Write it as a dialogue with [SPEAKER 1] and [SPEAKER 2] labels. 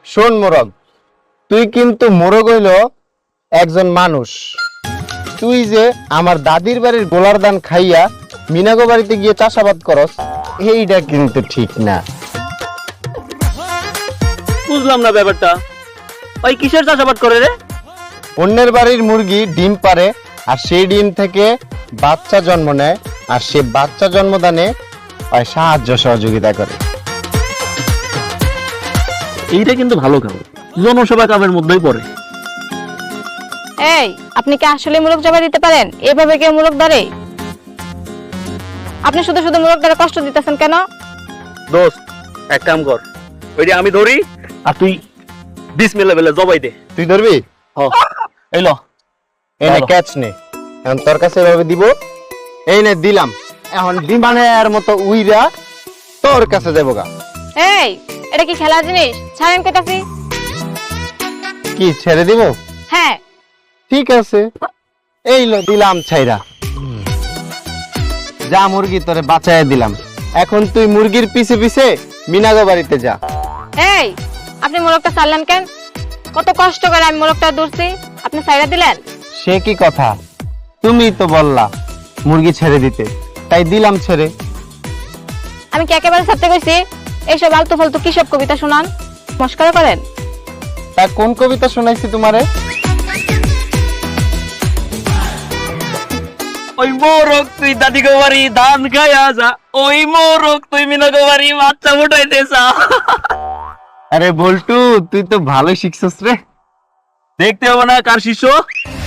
[SPEAKER 1] শোন মোরগ, তুই কিন্তু মোরগ হইল একজন মানুষ। তুই যে আমার দাদির বাড়ির গোলার দান খাইয়া মিনাগো বাড়িতে গিয়ে চাষাবাদ করস, এইটা কিন্তু ঠিক না।
[SPEAKER 2] বুঝলাম না ব্যাপারটা। ওই কিসের চাষাবাদ করে রে?
[SPEAKER 1] অন্যের বাড়ির মুরগি ডিম পারে, আর সেই ডিম থেকে বাচ্চা জন্ম নেয়, আর সে বাচ্চা জন্মদানে ওই সাহায্য সহযোগিতা করে।
[SPEAKER 2] এইটা কিন্তু ভালো কাম, জনসেবা কামের মধ্যেই পড়ে।
[SPEAKER 3] এই, আপনি কি আসলে মুরগ জবাই দিতে পারেন? এভাবে কেউ মুরগ ধরে? আপনি শুধু শুধু মুরগ ধরে কষ্ট দিতেছেন কেন?
[SPEAKER 2] দোস্ত, এক কাম কর, ওইটা আমি ধরি আর তুই বিসমিল্লাহ বলে জবাই দে।
[SPEAKER 1] তুই ধরবি?
[SPEAKER 2] এই ল,
[SPEAKER 1] এনে
[SPEAKER 2] ভালো।
[SPEAKER 1] ক্যাচ নে, এখন তোর কাছে এভাবে দিব। এই নে দিলাম, এখন বিমানের মতো উইরা তোর কাছে দেবো গা।
[SPEAKER 3] এই, এটা কি খেলার জিনিস? ছাড়েন কইতাছি।
[SPEAKER 1] কি ছেড়ে দিব?
[SPEAKER 3] হ্যাঁ।
[SPEAKER 1] ঠিক আছে, এই লো দিলাম ছাইরা। যা মুরগি তোরে বাঁচাইয়া দিলাম, এখন তুই মুরগির পিছে পিছে মিনাগো বাড়িতে যা।
[SPEAKER 3] এই, আপনি মোরগটা ছাড়লেন কেন? কত কষ্ট করে আমি মোরগটা ধরছি, আপনি ছাইড়া দিলেন?
[SPEAKER 1] সে কি কথা, তুমি তো বললা মুরগি ছেড়ে দিতে, তাই দিলাম ছেড়ে।
[SPEAKER 3] আমি কি একেবারে ছাড়তে কইছি? এইসব আলতু ফালতু কি সব কবিতা শোনান, মস্করা করেন?
[SPEAKER 1] তা কোন কবিতা শোনাইছি তোমারে?
[SPEAKER 2] ওই মোরগ তুই দাদি গো বাড়ি ধান খাইয়া যা, ওই মোরগ তুই মিনা গো বাড়ি বাচ্চা ফুটাইতে চা।
[SPEAKER 1] আরে বল্টু, তুই তো ভালো শিখছস রে।
[SPEAKER 2] দেখতে হবে না কার শিষ্য?